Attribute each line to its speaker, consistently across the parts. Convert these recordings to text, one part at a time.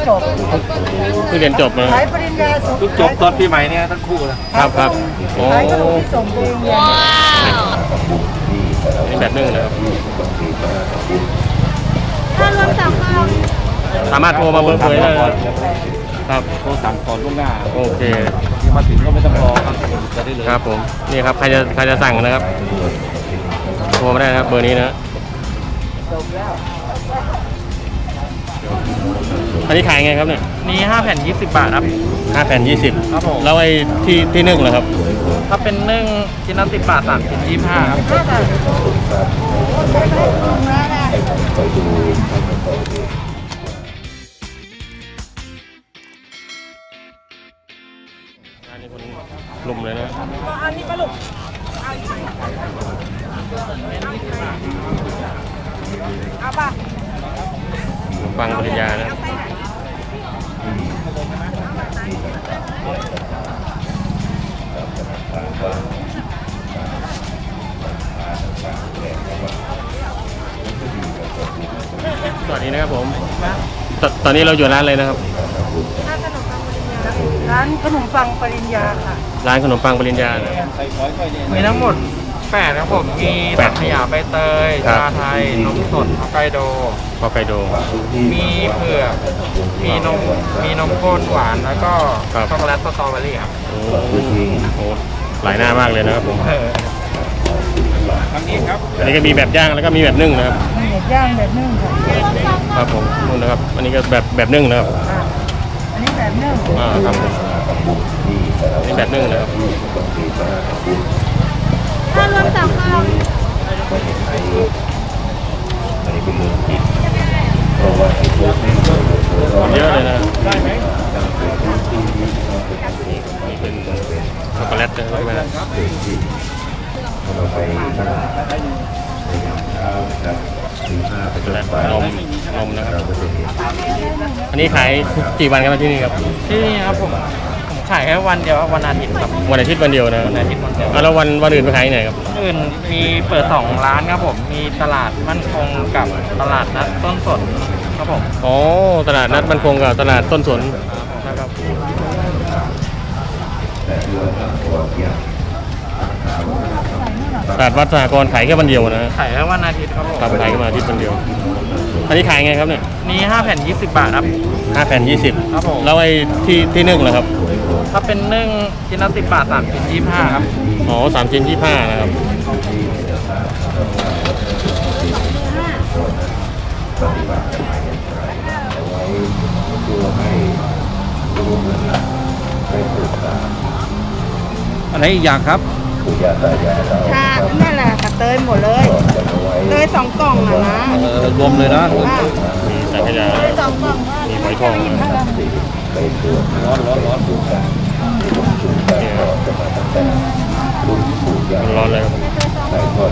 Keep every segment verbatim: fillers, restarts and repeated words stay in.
Speaker 1: จบ
Speaker 2: เพิ่งเรียนจบมา
Speaker 1: ขายปริญญา
Speaker 3: เพิ่งจบตอนปีใหม่เนี่ยทั้งคู่เลย
Speaker 2: ครับครับโอ้
Speaker 1: ขายขนมที่ส่งไปโรงเรียน
Speaker 2: นี่แบบนึ่งนะครับ
Speaker 4: ถ้ารวมสามค
Speaker 2: สามารถโทรมาเบอร์เผยได้ครับ
Speaker 3: โทรสั่งก่อนล่วงหน้า
Speaker 2: โอเค
Speaker 3: ที่มาถึงก็ไม่ต้องรอครับจะได้เลย
Speaker 2: ครับผมนี่ครับใครจะใครจะสั่งนะครับโทรมาได้นะครับเบอร์นี้นะอันนี้ขายไงครับเนี่ย
Speaker 3: มีห้าแผ่นยี่สิบบาทครับ
Speaker 2: ห้าแผ่นยี่สิบ
Speaker 3: ครับผม
Speaker 2: แล้วไอ้ที่ที่นึ่งเหรอครับ
Speaker 3: ถ้าเป็นนึ่งชิ้นละสิบบาทสามชิ้นยี่สิบห้าครับ
Speaker 2: อันนี้คนลุมเลยนะ
Speaker 1: อันนี้ปลาหลุกเอาป่ะ
Speaker 2: ฟังปริญญานะสวัสดีนะครับผมตตอนนี้เราอยู่ร้านอะไรนะครับ
Speaker 1: ร้านขนมปังปริญญาค่ะ
Speaker 2: ร้านขนมปังปริญญา
Speaker 3: มีทั้งหมดแปดครับผมมีสังขยาใบเตยชาไทยนมสดฮอกไกโด
Speaker 2: ฮอกไกโด
Speaker 3: มีเผือกมีนมมีนมข้นหวานแล้วก็ช็อกโกแลตสตรอเบอรี่ครับ
Speaker 2: โอ้โหหลายหน้ามากเลยนะครับผม
Speaker 3: ทั้งนี้ครับ
Speaker 2: อันนี้ก็มีแบบย่างแล้วก็มีแบบนึ่งนะครับ
Speaker 1: แบบย่างแบบนึ่งค่ะ
Speaker 2: ครับผมนู่นนะครับอันนี้ก็แบบแบบนึ่งนะครับ
Speaker 1: อันนี้แบบนึ่ง
Speaker 2: อ่าครับผมอันนี้แบบนึ่งนะครับ
Speaker 4: ถ้ารวมสามค
Speaker 2: เยอะเลยนะนี่เป็นช็อกโกแลตใช่ไหมครับช็อกโกแลตนมนมนะครับอันนี้ขายกี่วันกันที่นี่ครับ
Speaker 3: ที่นี่ครับผมผมขายแค่วันเดียววันอาทิตย์ครับ
Speaker 2: วันอาทิตย์วันเดียวนะ
Speaker 3: วันอาทิตย์วันเดียว
Speaker 2: แล้ววันวันอื่นไปขายไหนครับ
Speaker 3: อื่นมีเปิดสองร้านครับผมมีตลาดมั่นคงกับตลาดนัดต้นสนครับผม
Speaker 2: อ๋อตลาดนัดมั่นคงกับตลาดต้นสนนะครับตลาดวัดสหกรณ์ขายแค่วันเดียวนะ
Speaker 3: ขายแค่วันอาทิตย์ครับผม
Speaker 2: ขายแค่วันอาทิตย์วันเดียวอันนี้ขายไงครับเนี่ย
Speaker 3: มีห้าแผ่นยี่สิบบาทครับ
Speaker 2: ห้าแผ่นยี่สิบ
Speaker 3: ครับผม
Speaker 2: แล้วไอ้ที่ที่นึ่งเหรอครับ
Speaker 3: ถ้าเป็นนึ่งชิ้นละสิบบาทสามชิ้นยี่สิบห้าครับ
Speaker 2: อ๋อสามชิ้นยี่สิบห้านะครับ
Speaker 3: อะไรอีกอย่างครับ
Speaker 1: ค่ะนั่นแหละค่ะเตยหมดเลยเตยสองกล่องอะนะ
Speaker 3: รวมเลยนะ
Speaker 2: มีสังขยามีหอยทอง
Speaker 3: ร้อนร้อนร้อน
Speaker 2: ร้อนเลยครับ
Speaker 1: เตยส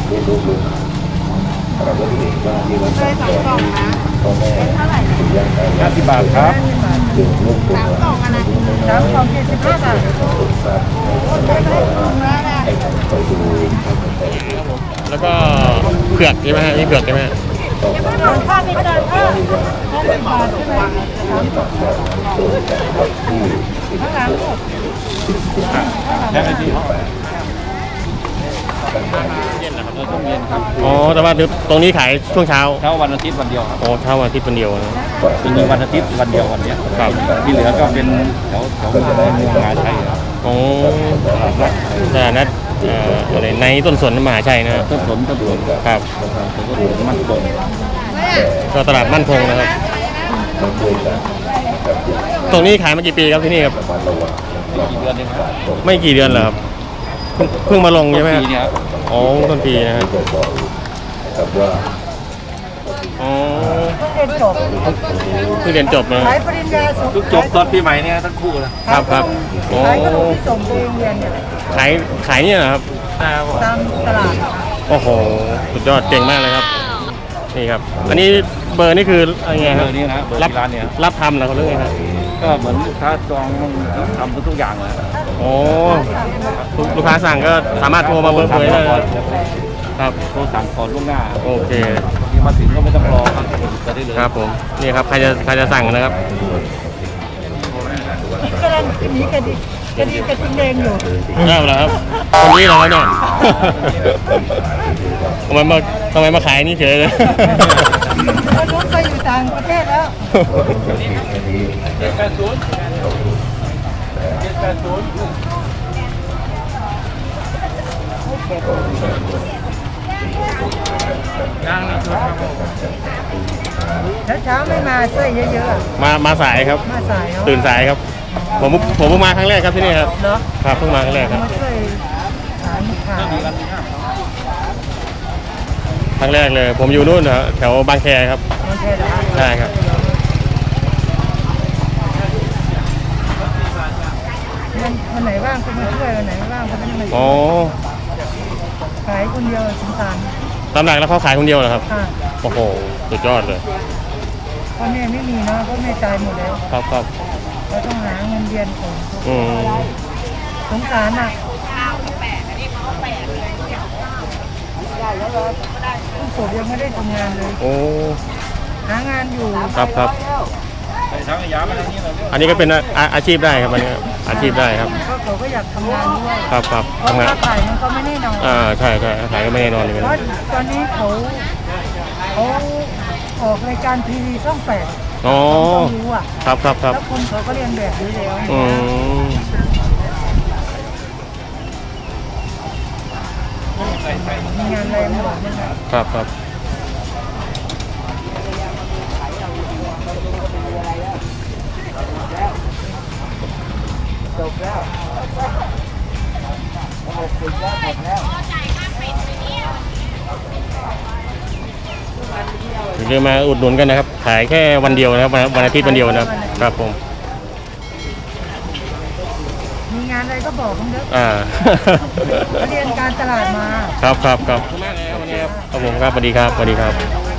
Speaker 1: องกล่องนะเป็นเท่าไหร่
Speaker 3: ห้าสิบบาทครับ
Speaker 1: สามกล่องอะนะสามกล่องเจ็ดสิบห้าบาท
Speaker 2: แล้วก็เผือกใช่ไหมฮะนี่เผือกใช่ไหมฮะ
Speaker 1: ค่าไม่เกินเออห้าสิบบาทใช่ไหมข้างหลังลูก
Speaker 3: แค่ที่ห้อง
Speaker 2: เย็นนะครับต้องเย็นครับอ๋อแต่ว่าตรงนี้ขายช่วงเช้า
Speaker 3: เช้าวันอาทิตย์วันเดียวครับ
Speaker 2: อ๋อเช้าวันอาทิตย์วันเดียวนะ
Speaker 3: มีวันอาทิตย์วันเดียววันนี้
Speaker 2: ครับ
Speaker 3: ที่เหลือก็เป็นแถวแถวมหาชัยครับ
Speaker 2: อ๋อตลาดนัดอะไรในต้นสนมหาชัยนะ
Speaker 3: ต้นสนต้นสน
Speaker 2: ครับ
Speaker 3: มั่นคง
Speaker 2: ก็ตลาดมั่นคงนะครับตรงนี้ขายมากี่ปีครับที่นี่ครับ
Speaker 3: กี่เดือนเองครับ
Speaker 2: ไม่กี่เดือนเหรอครับเพิ่งมาลงใช่ไหมอ๋อต้นปีนะฮะอ๋อ
Speaker 1: เรียนจบ
Speaker 2: เพิ่งเรียนจบนะ
Speaker 1: ขายปริญญา
Speaker 3: เพิ่งจบตอนปีใหม่เนี่ยทั้งคู่เลย
Speaker 2: ครับครับ
Speaker 1: ขายขนมที่ส่งไปโรงเรียนเนี่ย
Speaker 2: ขายขายเนี่ยนะครับ
Speaker 1: ตามตลาด
Speaker 2: โอ้โหสุดยอดเก่งมากเลยครับนี่ครับอันนี้เบอร์นี่คืออะไรไงครับ
Speaker 3: นี่นะ
Speaker 2: รับ
Speaker 3: ร้านเนี่ย
Speaker 2: รับทำเหรอเขาเรียกไงครับ
Speaker 3: ก็เหมือนลูกค้าจองทำทุกอย่างเลย
Speaker 2: โอ้ลูกค้าสั่งก็สามารถโทรมาเบอร์เผยได้ครับ
Speaker 3: โทรสั่งก่อนล่วงหน้า
Speaker 2: โอเค
Speaker 3: มาถึงก็ไม่ต้องรอครับจะได้เลย
Speaker 2: ครับผมนี่ครับใครจะใครจะสั่งนะครับ
Speaker 1: กำลังหนีกระดิกกระดิกกระทิงแดงอยู่
Speaker 2: อ้าวเหรอครับคนนี้เหรอครับเนี่ย ทำไมมาทำไมมาขายนี่เฉยเลย
Speaker 1: คนนู้นไปอยู่ต่างประเทศแล้ว
Speaker 3: เจ็ดแปดศูนย์เจ็ดแปดศูนย์ ย่างในชุดครับผม
Speaker 1: เช้าๆไม่มาช่วยเยอะๆอะ
Speaker 2: มามาสายครับ
Speaker 1: มาสายเนาะ
Speaker 2: ตื่นสายครับ ผมผมเพิ่งมาครั้งแรกครับที่นี่ครับ
Speaker 1: เนาะ
Speaker 2: ครับเพิ่งมาครั้งแรกครับ
Speaker 1: มาช่วยสารขาย
Speaker 2: ครั้งแรกเลย ผมอยู่นู่นเหรอแถวบางแคครับ
Speaker 1: มันแค่ละ
Speaker 2: ใช่ครับ
Speaker 1: มันวันไหนว่างก็มาช่วยวันไหนไม่ว่างก็ไม่ได้มาช่
Speaker 2: อ๋อ
Speaker 1: วยขายคนเดียวสงสาร
Speaker 2: ตามหลักแล้วเขาขายคนเดียวเหรอครับ
Speaker 1: ค่ะ
Speaker 2: โอ้โหสุดยอดเลย
Speaker 1: พ่อแม่ไม่มีเนาะพ่อแม่ตายหมดแล้ว
Speaker 2: ครับครับ
Speaker 1: เราต้องหาเงินเดือนของ
Speaker 2: อืม
Speaker 1: สงสารอ่ะผู้ศพยังไม่ได้ทำงานเลย
Speaker 2: โอ้
Speaker 1: หางานอยู่
Speaker 2: ครับครับ
Speaker 3: ทั้งยามาทางนี้เลย
Speaker 2: อันนี้ก็เป็นอาอาชีพได้ครับอันนี้อาชีพได้ครับ
Speaker 1: ก็เขาก็อยากทำงานด้วย
Speaker 2: ครับครับ
Speaker 1: เพราะ
Speaker 2: ทำงาน
Speaker 1: ค่าขายมันก็ไม่แน่นอน
Speaker 2: อ่าใช่ใช่ขายก็ไม่แน่นอนเลย
Speaker 1: เพราะตอนนี้เขาเขาออกรายการทีวีช่องแปด
Speaker 2: อ๋อ
Speaker 1: ต้องรู้อ่ะ
Speaker 2: ครับครับครับ
Speaker 1: แล้วคนเขาก็เรียนแบบอยู่แล้ว
Speaker 2: อืม
Speaker 1: มีงานอะไรมาบอกมั้ง
Speaker 2: ครับครับอย่าลืมมาอุดหนุนกันนะครับ ขายแค่วันเดียวนะครับวันวันอาทิตย์วันเดียวนะครับครับผม
Speaker 1: มีงานอะไรก็บอกผมเด้อ
Speaker 2: อ่า
Speaker 1: เขาเรียนการตลาดมา
Speaker 2: ครับครับครับขอบคุณมากเลยครับวันนี้ครับครับผมครับสวัสดีครับสวัสดีครับ